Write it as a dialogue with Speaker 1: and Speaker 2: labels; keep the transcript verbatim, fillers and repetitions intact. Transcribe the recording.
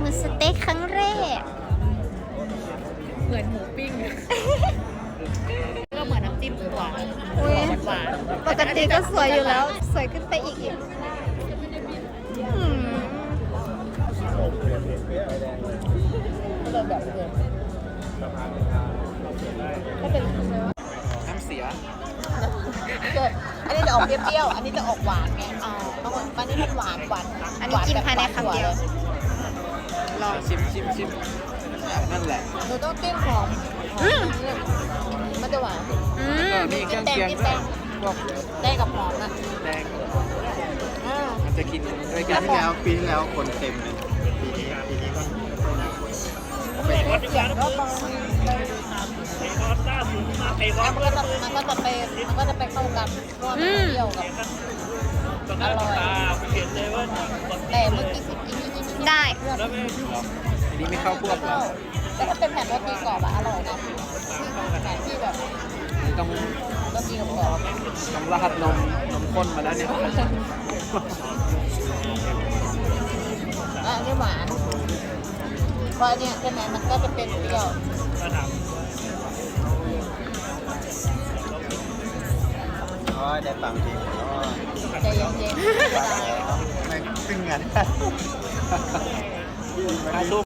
Speaker 1: สเต็กครั้งแรก
Speaker 2: เหมือนหมูปิ้งก็เหมือนน้ำจิ้มหวาน
Speaker 1: อุ้ย
Speaker 2: หวาน
Speaker 1: ปกติก็สวยอยู่แล้ว สวยขึ้นไปอีกอีกอืม
Speaker 2: ก็เลยแบบเดิมถ้าเป็น
Speaker 3: น้ำเสีย
Speaker 2: เกิดอันนี้จะออกเปรี้ยวๆอันนี้จะออกหวานไงอ๋ออันนี้มันหวานหวาน
Speaker 1: อันนี้กินภายในคำเดียว
Speaker 3: ลองชิมชิมชิมนั่นแหละ
Speaker 2: หนูต้องจิ้มหอมมันจะหวาน
Speaker 1: อื
Speaker 3: ก็
Speaker 1: ม
Speaker 3: มีเครื่องเคียงด้วยพวก
Speaker 2: ได้กับหอมนะ
Speaker 3: แดง
Speaker 2: อ่า
Speaker 3: มันจะกินด้วย
Speaker 4: ปี
Speaker 3: กัน
Speaker 4: ที่แล้วปีที่แล้วคนเต็มเลยปีนี้ปีนี้ก็ไม่ค่อยมีคน
Speaker 2: เสียงก็บางมันก็จะมันก็จะไปมันก็จะไปเข้ากันเพราะว่ามันเปรี้ยวกับอร่อยแต่เมื่อกี้สิกินนี่นี่
Speaker 1: ได้
Speaker 3: อันนี้ไม่เข้าพวกเรา
Speaker 2: แต่ถ้าเป็นแผ่นโรตีกรอบอะอร่อยนะแผ่นที่แบบ
Speaker 3: ต้อง
Speaker 2: โรตีกรอบ
Speaker 3: ต้องราดนมนมข้นมาแล้วเนี่ย
Speaker 2: อ่ะนี่หวานเพราะเนี่ยใช่ไหมมันก็จะเป็นเปรี้ยว
Speaker 4: อ๋อได้ฟังจริงอ๋อ
Speaker 2: ใจเย็นๆ
Speaker 4: ไม่ตึงงาน
Speaker 3: ถ้าสู้